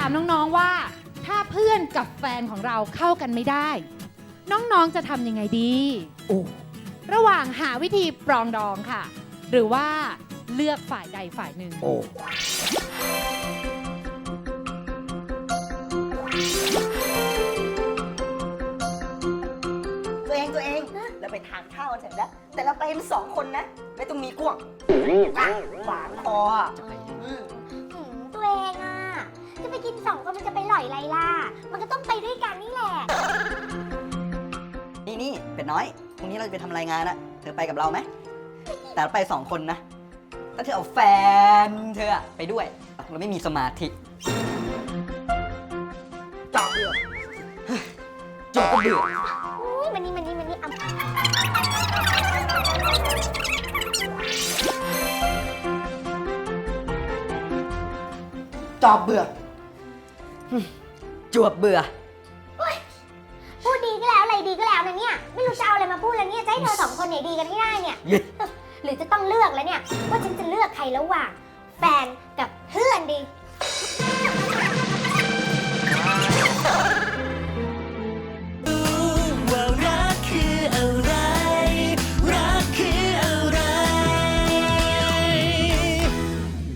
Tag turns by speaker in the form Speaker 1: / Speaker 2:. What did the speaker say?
Speaker 1: ามน้องๆว่า ถ้าเพื่อนกับแฟนของเราเข้ากันไม่ได้ น้องๆจะทำยังไงดีระหว่างหาวิธีปรองดองค่ะ หรือว่าเลือกฝ่ายใดฝ่ายหนึ่ง
Speaker 2: ตัวเองเราไปทานข้าวกันเสร็จแล้ว แต่เราไปกัน2 คนนะ ไม่ต้องมีกวงหวานคอ
Speaker 3: ตัวเองอ่ะจะไปกิน2 คนมันจะไปหล่อยไรล่ะมันก็ต้องไปด้วยกันนี่แหละ
Speaker 2: นี่เป็ดน้อยพรุ่งนี้เราจะไปทำรายงานนะเธอไปกับเราไหมแต่เราไป2 คนนะถ้าเธอเอาแฟนเธอไปด้วยเราไม่มีสมาธิจอบเบื่อจอบก็เบื่อ
Speaker 3: มันนี่
Speaker 2: จอบเบื่อจวบเบื่อ
Speaker 3: พูดดีก็แล้วอะไรดีก็แล้วนะเนี่ยไม่รู้จะเอาอะไรมาพูดแล้วเนี่ยจะให้เธอ2 คนเนี่ยดีกันให้ได้เนี่ยหรือจะต้องเลือกแล้วเนี่ยว่าฉันจะเลือกใครระหว่างแฟนกับเพื่อนดี